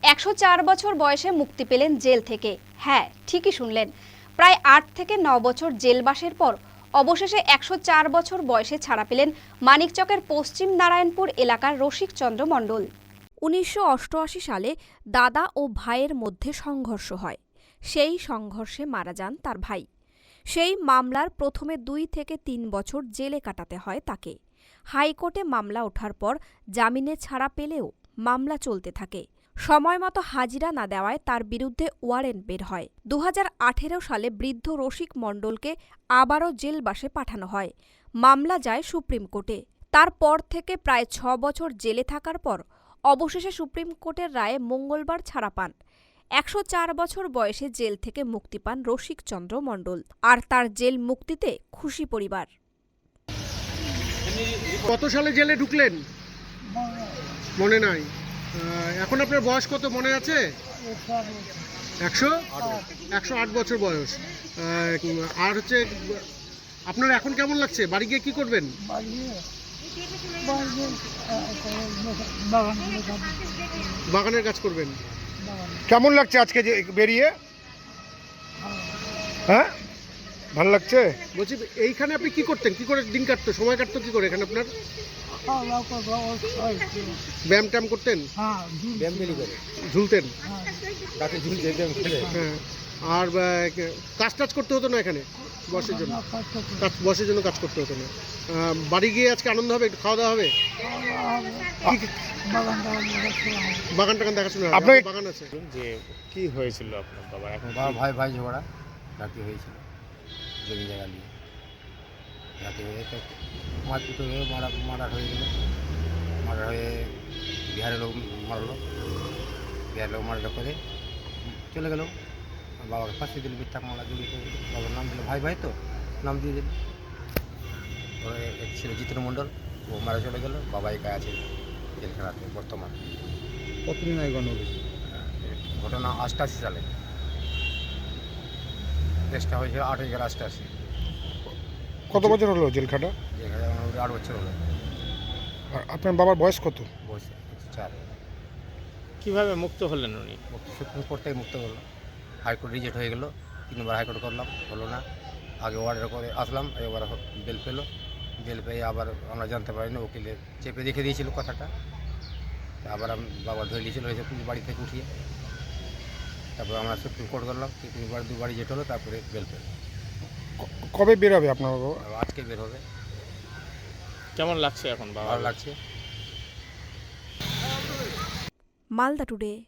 104 বছর বয়সে মুক্তি পেলেন জেল থেকে। হ্যাঁ, ঠিকই শুনলেন, প্রায় 8 থেকে 9 বছর জেলবাসের পর অবশেষে 104 বছর বয়সে ছাড়া পেলেন মানিকচকের পশ্চিম নারায়ণপুর এলাকার রসিক চন্দ্র মণ্ডল। 1988 সালে দাদা ও ভাইয়ের মধ্যে সংঘর্ষ হয়। সেই সংঘর্ষে মারা যান তার ভাই। সেই মামলার প্রথমে 2 থেকে 3 বছর জেলে কাটাতে হয় তাকে। হাইকোর্টে মামলা ওঠার পর জামিনে ছাড়া পেলেও মামলা চলতে থাকে। সময়মতো হাজিরা না দেওয়ায় তার বিরুদ্ধে ওয়ারেন্ট বের হয়। 2018 সালে বৃদ্ধ রসিক মণ্ডলকে আবারও জেলবাসে পাঠানো হয়। মামলা যায় সুপ্রিম কোর্টে। তারপর থেকে প্রায় 6 বছর জেলে থাকার পর অবশেষে সুপ্রিম কোর্টের রায়ে মঙ্গলবার ছাড়া পান। 104 বছর বয়সে জেল থেকে মুক্তি পান রসিক চন্দ্র মণ্ডল। আর তার জেল মুক্তিতে খুশি পরিবার। কত সালে জেলে ঢুকলেন মনে নাই? এখন আপনার বয়স কত মনে আছে? 108 বছর বয়স। আর হচ্ছে আপনার এখন কেমন লাগছে? বাড়ি গিয়ে কি করবেন? বাগানের কাজ করবেন। কেমন লাগছে আজকে যে বেরিয়ে? হ্যাঁ, ভালো লাগছে। বলছি, এইখানে আপনি কি করতেন? কি করে দিন কাটতো, সময় কাটতো কি করে এখানে আপনার? ব্যায়াম ট্যাম করতেন? ঝুলতেন? হ্যাঁ। আর কাজ টাজ করতে হতো না এখানে বসের জন্য? বসের জন্য কাজ করতে হতো না। বাড়ি গিয়ে আজকে আনন্দ হবে, একটু খাওয়া দাওয়া হবে, বাগান টাগান দেখাশোনা হবে? আপনার বাগান আছে? যে কি হয়েছিল আপনার বাবা? এখন ভাই ঝগড়া রাতে হয়েছিল জমি জায়গা নিয়ে। রাতে হয়ে তো মারপিট হয়ে মার্ডার হয়ে গেল। মার্ডার হয়ে বিহারের লোক মারলো। বিহারের লোক মার্ডার করে চলে গেল। বাবাকে ফাঁসি দিল, মিথ্যা মামলা জড়িত হয়ে গেল। বাবার নাম দিল ভাই তো নাম দিয়ে দিল। এক ছিল জিতেন মণ্ডল, ও মারা চলে গেল। বাবা একা আছে জেলখানাতে বর্তমান। কতদিন আগে ঘটনা 88 সালে। কেসটা হয়েছিল 8/11/88। কত বছর হলো জেল খাটা? জেলখানা 8 বছর হলো। আর আপনার বাবার বয়স কত? বয়স 4। কিভাবে মুক্ত হলেন উনি? সুপ্রিম কোর্ট থেকে মুক্ত করলো। হাইকোর্ট রিজেক্ট হয়ে গেল। 3বার হাইকোর্ট করলাম, হলো না। আগে অর্ডার করে আসলাম, এবার বেল পেলো। বেল পেয়ে আবার আমরা জানতে পারিনি, ওকিলে চেপে রেখে দিয়েছিল কথাটা। আবার বাবা ধরে নিয়েছিল হয়েছে পুলিশ বাড়ি থেকে উঠিয়ে। তারপর আমরা সুপ্রিম কোর্ট করলাম, 2বার রিজেক্ট হলো, তারপরে বেল পেল। কবে বের হবে আপনার বাবা? আজকে বের হবে। কেমন লাগছে এখন বাবা? ভালো লাগছে। মালদা টুডে।